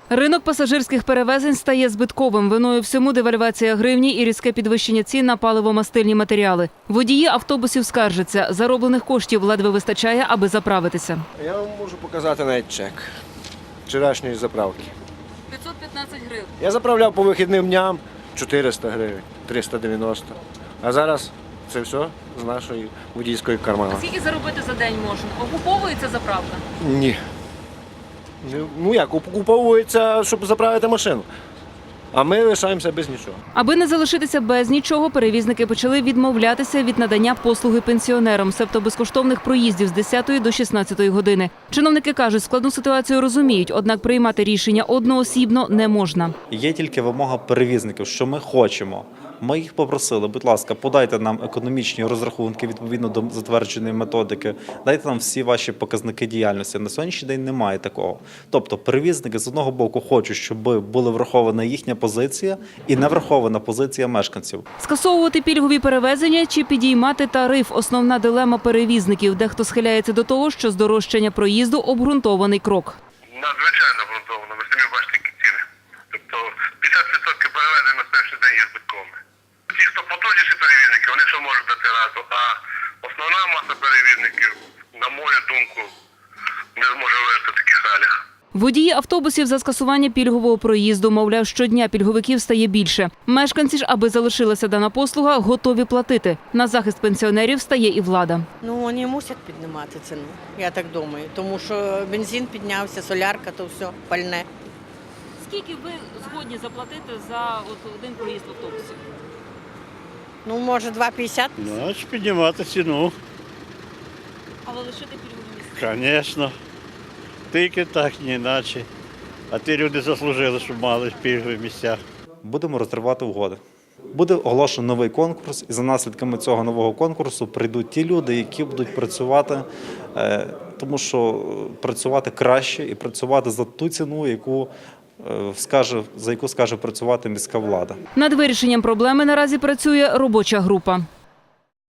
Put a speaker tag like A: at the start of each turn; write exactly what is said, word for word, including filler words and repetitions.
A: Ринок пасажирських перевезень стає збитковим. Виною всьому девальвація гривні і різке підвищення цін на паливо-мастильні матеріали. Водії автобусів скаржаться, зароблених коштів ледве вистачає, аби заправитися.
B: Я вам можу показати навіть чек вчорашньої заправки.
A: п'ятсот п'ятнадцять гривень.
B: Я заправляв по вихідним дням чотириста гривень, триста дев'яносто. А зараз це все з нашої водійської кармани.
A: Скільки заробити за день можна? Окуповується заправка?
B: Ні. Ну як, окуповується, щоб заправити машину. А ми лишаємося без нічого.
A: Аби не залишитися без нічого, перевізники почали відмовлятися від надання послуги пенсіонерам, себто безкоштовних проїздів з десятої до шістнадцятої години. Чиновники кажуть, складну ситуацію розуміють, однак приймати рішення одноосібно не можна.
C: Є тільки вимога перевізників, що ми хочемо. Ми їх попросили, будь ласка, подайте нам економічні розрахунки відповідно до затвердженої методики, дайте нам всі ваші показники діяльності. На сьогоднішній день немає такого. Тобто перевізники з одного боку хочуть, щоб була врахована їхня позиція і не врахована позиція мешканців.
A: Скасовувати пільгові перевезення чи підіймати тариф – основна дилема перевізників. Дехто схиляється до того, що здорожчання проїзду – обґрунтований крок.
D: Надзвичайно обґрунтовано, ви самі бачите, які ціни. Тобто п'ятдесят відсотків перевезень на перший день є збитковими. Ті, хто потужніші перевізники, вони ще можуть дати раду, а основна маса перевізників, на мою думку, не зможе вижити в таких реаліях.
A: Водії автобусів за скасування пільгового проїзду, мовляв, щодня пільговиків стає більше. Мешканці ж, аби залишилася дана послуга, готові платити. На захист пенсіонерів стає і влада.
E: Ну, вони мусять піднімати ціну, я так думаю, тому що бензин піднявся, солярка, то все, пальне.
A: Скільки ви згодні заплатити за один проїзд в автобусі?
E: Ну, може, два п'ятдесят?
F: Значить, піднімати ціну,
A: Але лишити пільгові місця?
F: звісно. Тільки так, ні іначе. А ті люди заслужили, щоб мали пільгові місця.
C: Будемо розривати угоди. Буде оголошено новий конкурс, і за наслідками цього нового конкурсу прийдуть ті люди, які будуть працювати, тому що працювати краще і працювати за ту ціну, яку скаже, за яку скаже працювати міська влада.
A: Над вирішенням проблеми наразі працює робоча група.